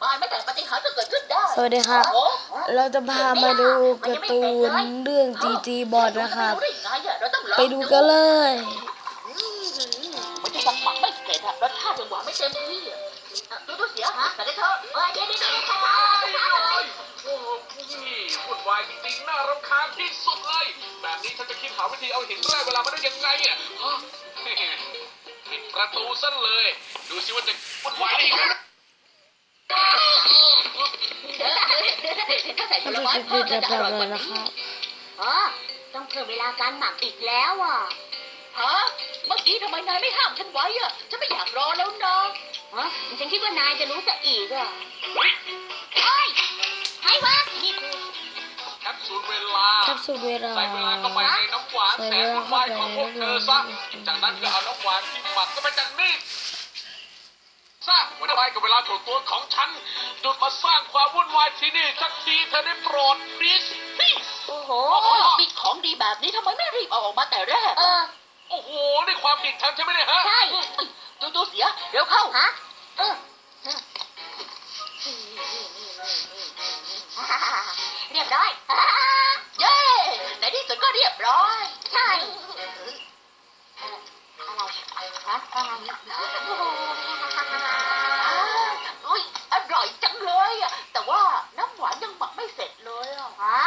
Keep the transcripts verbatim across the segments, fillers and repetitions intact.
มายไม่แต่ปฏิหารย์จะเกิดขึ้นได้สวัสดีครับโอ้เราจะพามาดูการ์ตูนเรื่องจีจีบอดนะครับ ไปดูกันเลยมันจะยังหมักไม่เสร็จอะรสชาติยังหวานไม่เต็มที่อะอ่ะดูดูเสียฮะแต่ได้เธอเอ้ยเดี๋ยวเดี๋ยวเดี๋ยวโอ้โหนี่วุ่นวายจริงๆน่ารำคาญที่สุดเลย แบบนี้ฉันจะคิดหาวิธีเอาหินแร่เวลามาได้ยังไงอ่ะฮะปิดประตูซะเลย ดูสิว่าจะวุ่นวายได้ยังไงถ้าใส่ผลไม้จะเพิ่มจะจะแบอบ ร่อยกว่านะนี้ครับอ๋อต้องเพิ่มเวลาการหมักอีกแล้วอ่ะฮะเมื่อกี้ทำไมนายไม่ห้ามฉันไว้อะฉันไม่อยากรอแล้วนะฮะฉันคิดว่านายจะรู้ซะอีกอ่ะเฮ้ยเฮ้ยใครวะนี่คือแคปซูลเวลาแคปซูลเวลาใส่เวลาเข้าไปในน้ำหวานแสนวุ่นวายของพวกเธอซะ จากนั้นก็เอาน้ำหวานที่หมักก็ไปจากนี่ซะวุ่นวายกับเวลาส่วนตัวของฉันหยุดมาสร้างความวุ่นวายที่นี่สักทีเธอได้โปรด please please โอ้โหโอ้โหมีของดีแบบนี้ทำไมไม่รีบเอาออกมาแต่แรกเออโอ้โหนี่ความผิดฉันใช่ไหมเนี่ยฮะใช่ดูดูเสียเร็วเข้าฮะเออเรียบร้อยเย้ในที่สุดก็เรียบร้อยใช่อะไรฮะอะไรอุ้ยอร่อยจังเลยอะแต่ว่าน้ำหวานยังหมักไม่เสร็จเลยอะฮะ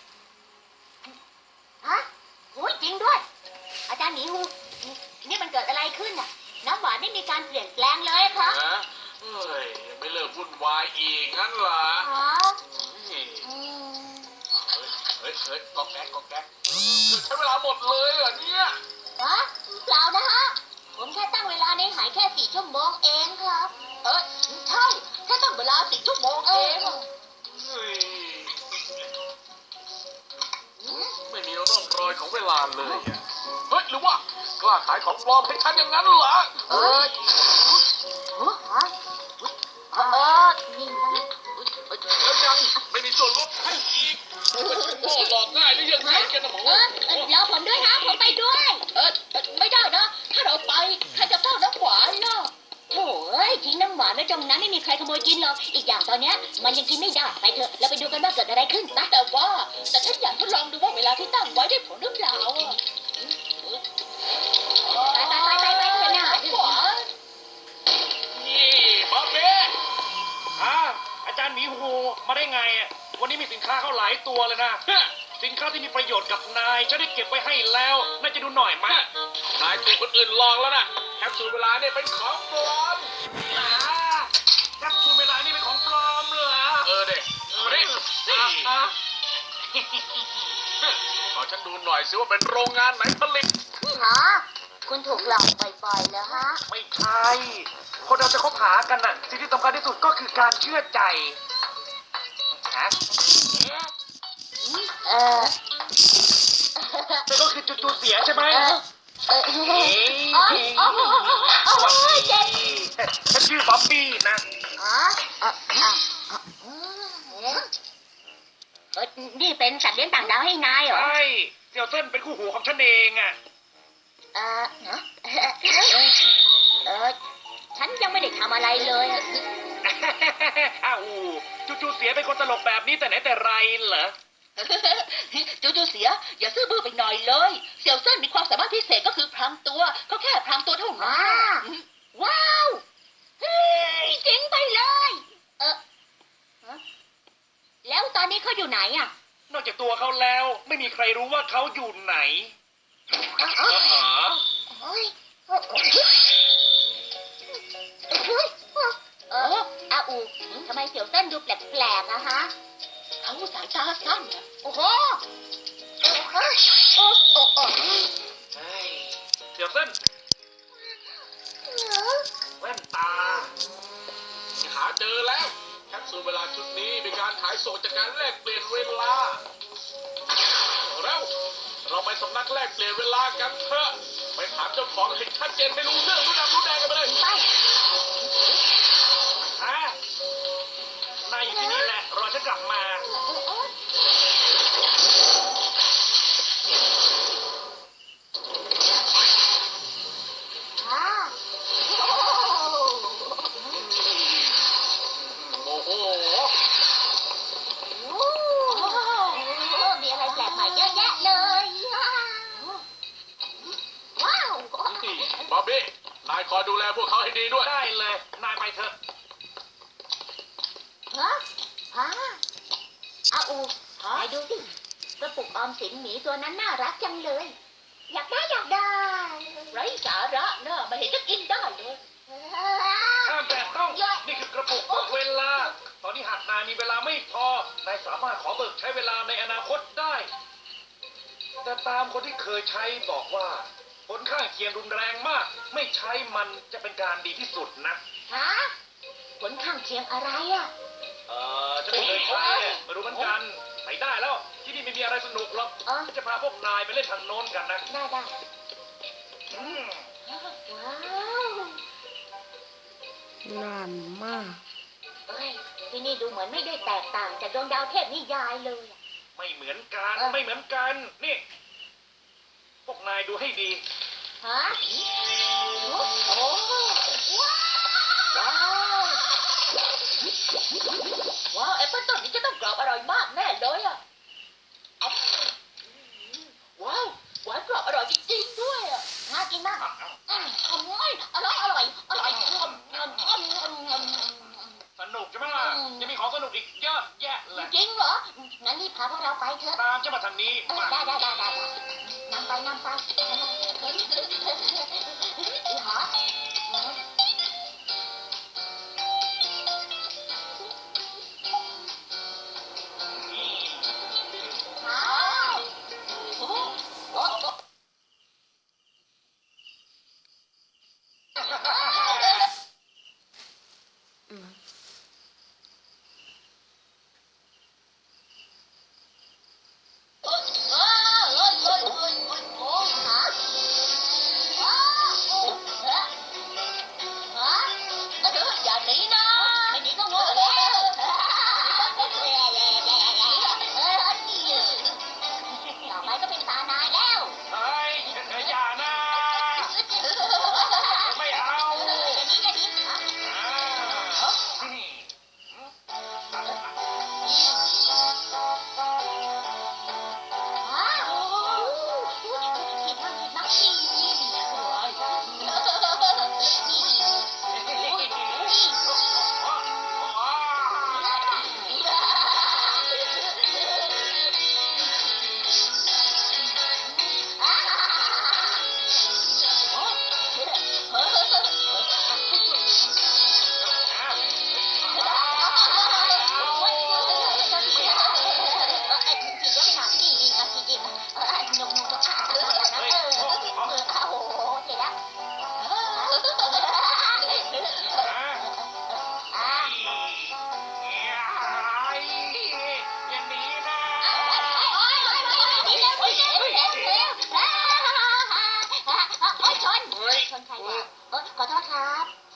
ฮะโหจริงด้วย อาจารย์หมีฮูนี่มันเกิดอะไรขึ้นอ่ะ น้ำหวานไม่มีการเปลี่ยนแปลงเลยครับฮะเฮ้ยไม่เลิกวุ่นวายอีกงั้นเหรอฮะเฮ้ยอืมเฮ้ยเฮ้ยกอกแก๊กกอกแก๊กใช้เวลาหมดเลยเหรอเนี่ยฮะเปล่านะฮะ ผมแค่ตั้งเวลาในหายแค่สี่ชั่วโมงเองครับเออใช่แค่ต้องเวลาสี่ชั่วโมงเอเอองเฮ้ยไม่มีร่องรอยของเวลาเลยอะเฮ้ยหรือว่ากล้าขายของปลอมให้ฉันอย่างนั้นเหรอเออฮะเออนี่นะแล้วยังไม่มีส่วนลดให้อีกมันจะโง่หลอกง่ายหรือยังไงกันนะหมอเออเออรอผมด้วยนะผมไปด้วยเออไม่ได้นะ ถ้าเราไปใครจะเฝ้าน้ำหวานน่ะโถ่เอ้ยทิ้งน้ำหวานไว้ตรงนั้นไม่มีใครขโมยกินหรอก อีกอย่างตอนเนี้ยมันยังกินไม่ได้ ไปเถอะ เราไปดูกันว่าเกิดอะไรขึ้นนะแต่ว่าแต่ฉันอยากทดลองดูว่าเวลาที่ตั้งไว้ได้ผลหรือเปล่าอะไปไปไปไปไปเถอะนะหวานนี่บอเบ้อ่าอาจารย์หมีฮูมาได้ไงอ่ะวันนี้มีสินค้าเข้าหลายตัวเลยนะฮะสินค้าที่มีประโยชน์กับนายฉันได้เก็บไว้ให้แล้วน่าจะดูหน่อยมากนายถูกคนอื่นลองแล้วนะแคปซูลเวลาเนี่ยเป็นของปลอมอ่าแคปซูลเวลานี่เป็นของปลอมเหรอเออเด็กเออเด็กอ่ะขอฉันดูหน่อยสิว่าเป็นโรงงานไหนผลิตฮะคุณถูกหลอกบ่อยๆแล้วฮะไม่ใช่ คนเราจะคบหากันน่ะ สิ่งที่สำคัญที่สุดก็คือการเชื่อใจฮะเออนั่นก็คือจุดๆเสียใช่ไหมเออเออเฮ้ยอ๋ออ๋ออ๋อสวัสดีเจ็บฉันชื่อบ๊อบบี้นะฮะอ่ะอ่ะอ่ะอืมเอ๊ะเอ้ยนี่เป็นสัตว์เลี้ยงต่างดาวให้นายเหรอใช่เสี่ยวเส้นเป็นคู่หูของฉันเองอ่ะเออฮะเออฉันยังไม่ได้ทำอะไรเลยอ้าวจู่ๆเสียเป็นคนตลกแบบนี้แต่ไหนแต่ไรเหรอจูจูเสียอย่าซื่อบื้อไปหน่อยเลย เสี่ยวเส้นมีความสามารถพิเศษก็คือพรางตัวเขาแค่พรางตัวเท่านั้นว้าว้าวเฮ้ยเจ๋งไปเลย เออฮะแล้วตอนนี้เขาอยู่ไหนอ่ะนอกจากตัวเขาแล้วไม่มีใครรู้ว่าเขาอยู่ไหนอ๋อเออเหรอโอ้ยโอ้ยเฮ้ยเอออาอูทำไมเสี่ยวเส้นดูแปลกๆนะฮะเขาสายตาสั้นน่ะโอ้โหโอ้โหโอ้โอ้โอ้ใช่เสี่ยวเส้นแว่นตาหาเจอแล้วแคปซูลเวลาชุดนี้เป็นการขายส่งจากการแลกเปลี่ยนเวลาแล้วเราไปสำนักแลกเปลี่ยนเวลากันเถอะไปถามเจ้าของให้ชัดเจนให้รู้เรื่องรู้ดำรู้แดงกันไปเลยไปฮะนายอยู่ที่นี่แหละรอฉันกลับมาอ่าโมโหพวกเขาให้ดีด้วยได้เลย นายไปเถอะฮะฮะอาอูไหนดูสิกระปุกออมสินหมีตัวนั้นน่ารักจังเลย อยากได้อยากได้ไร้สาระเนอะไม่เห็นจะกินได้เลยห้ามแตะต้อง นี่คือกระปุกบอกเวลา ตอนนี้หากนายมีเวลาไม่พอ นายสามารถขอเบิกใช้เวลาในอนาคตได้ แต่ตามคนที่เคยใช้บอกว่า ผลข้างเคียงรุนแรงมาก ไม่ใช้มันจะเป็นการดีที่สุดนะฮะผลข้างเคียงอะไรอ่ะเออจะไม่เคยใช้อะไม่รู้เหมือนกันไปได้แล้ว ที่นี่ไม่มีอะไรสนุกหรอกอ๋อจะพาพวกนายไปเล่นทางโน้นกันนะได้ได้อืมว้าวนานมากเอ้ยที่นี่ดูเหมือนไม่ได้แตกต่างจากดวงดาวเทพนิยายเลยอะไม่เหมือนกันเออไม่เหมือนกัน นี่ พวกนายดูให้ดีฮะโอ้โหว้าวว้าวว้าวแอปเปิ้ลต้นนี้จะต้องกรอบอร่อยมากแน่เลยอ่ะอ๊อมว้าวหวานกรอบอร่อยจริงๆด้วยอ่ะน่ากินมากอืมอร่อยอร่อยอร่อยอร่อยอืมอืมอืมอืมอืมสนุกใช่ไหมล่ะอืมยังมีของสนุกอีกเยอะแยะเลยจริงเหรอ งั้นรีบพาพวกเราไปเถอะตามจะมาทางนี้เออมาได้ได้ได้ได้ได้นำไปนำไปอีหาอ้าวโอ้โหโอ้โหว้าวโอ้ยโอ้ยโอ้ยโอ้ยโอ้ยฮะว้าวโอ้ฮะฮะเดี๋ยวอย่าหนีนะไม่หนีก็โง่แล้วต่อไปก็เป็นตานายแล้วเฮ้ยอย่านะไม่เอาอย่าหนีอย่าหนีฮะอ่าอืมว้าวผิดบ้างผิดบ้างนี่นี่นี่อย่าหนีนะชนใครเนี่ยเอ้ยขอโทษครับ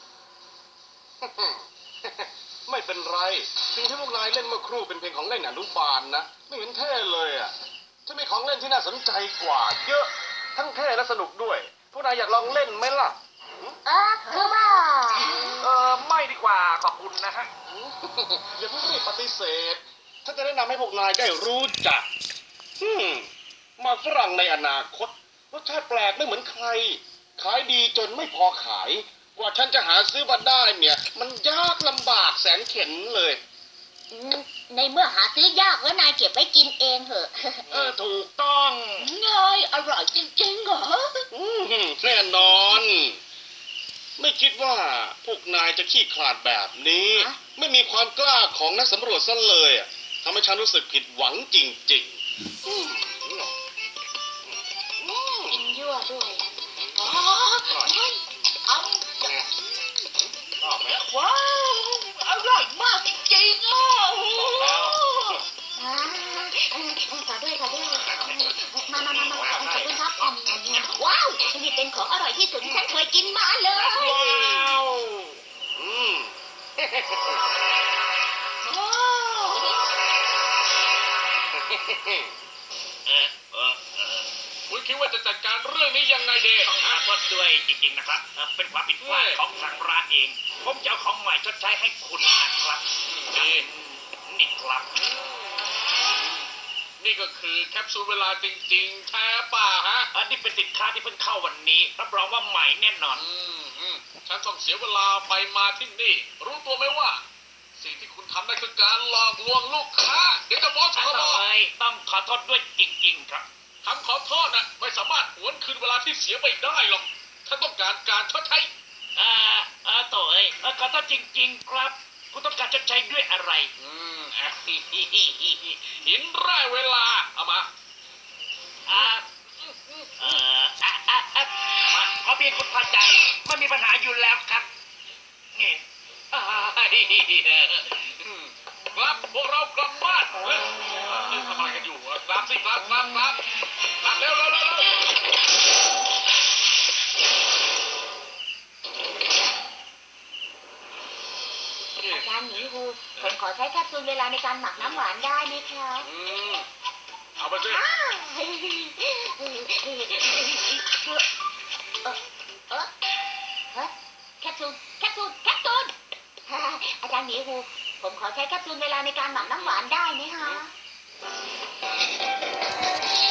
ไม่เป็นไรสิ่งที่พวกนายเล่นเมื่อครู่เป็นเพลงของเล่นอนุบาลนะ ไม่เห็นเท่เลยอ่ะจะมีของเล่นที่น่าสนใจกว่า เยอะ ทั้งเท่และสนุกด้วย พวกนายอยากลองเล่นไหมล่ะเออคือว่าเออไม่ดีกว่าขอบคุณนะฮะอย่าเพิ่งรีบปฏิเสธถ้าจะแนะนำให้พวกนายได้รู้จักอืมหมากฝรั่งในอนาคตรสชาติแปลกไม่เหมือนใคร ขายดีจนไม่พอขาย กว่าฉันจะหาซื้อมาได้เนี่ย มันยากลำบากแสนเข็ญเลยในเมื่อหาซื้อยากแล้วนายเก็บไว้กินเองเถอะเออถูกต้องไงอร่อยจริงๆเหรออืมแน่นอน ไม่คิดว่าพวกนายจะขี้ขลาดแบบนี้ฮะไม่มีความกล้าของนักสำรวจซะเลยอะทำให้ฉันรู้สึกผิดหวังจริงๆอืมกินยั่วด้วยอ๋อเฮ้ยเอาชอบไหมว้าวอร่อยมากจริงๆอ่ะอ่าเออขอด้วยขอด้วยมามามามาขอบคุณครับอืมว้าวนี่เป็นของอร่อยที่สุดที่ฉันเคยกินมาเลยว้าวอืมว้าวเออเออเออคุณคิดว่าจะจัดการเรื่องนี้ยังไงดีต้องขอโทษด้วยจริงๆนะครับเอ่อเป็นความผิดพลาดของทางร้านเอง ผมจะเอาของใหม่ชดใช้ให้คุณนะครับนี่นี่ครับนี่ก็คือแคปซูลเวลาจริงๆแท้ป่ะฮะอันนี้เป็นสินค้าที่เพิ่งเข้าวันนี้รับรองว่าใหม่แน่นอนอืมอืมฉันต้องเสียเวลาไปมาที่นี่ รู้ตัวไหมว่า สิ่งที่คุณทำนั่นคือการหลอกลวงลูกค้า เดี๋ยวจะฟ้องสอาคบต่อยต้องขอโทษด้วยจริงๆครับคำขอโทษนะไม่สามารถหวนคืนเวลาที่เสียไปได้หรอกฉันต้องการการชดใช้อ่าอาต่อยเอ่อขอโทษจริงๆครับ คุณต้องการชดใช้ด้วยอะไรอืมอ่ะหินแร่เวลา เอามาอ่าเอ่ออ่ะอ่ะอ่ะมาขอเพียงคุณพอใจไม่มีปัญหาอยู่แล้วครับนี่อ้ายอืมกลับพวกเรากลับบ้านเฮ้ยเอ้ยทำอะไรกันอยู่อะกลับสิกลับกลับกลับกลับเร็วเร็วเร็วเร็วอาจารย์หมีฮูผมขอใช้แคปซูลเวลาในการหมักน้ำหวานได้ไหมครับอืมเอาไปสิอ้าวเออเออฮะแคปซูลแคปซูลแคปซูลฮ่าอาจารย์หมีฮูผมขอใช้แคปซูลเวลาในการหมักน้ำหวานได้ไหมคะ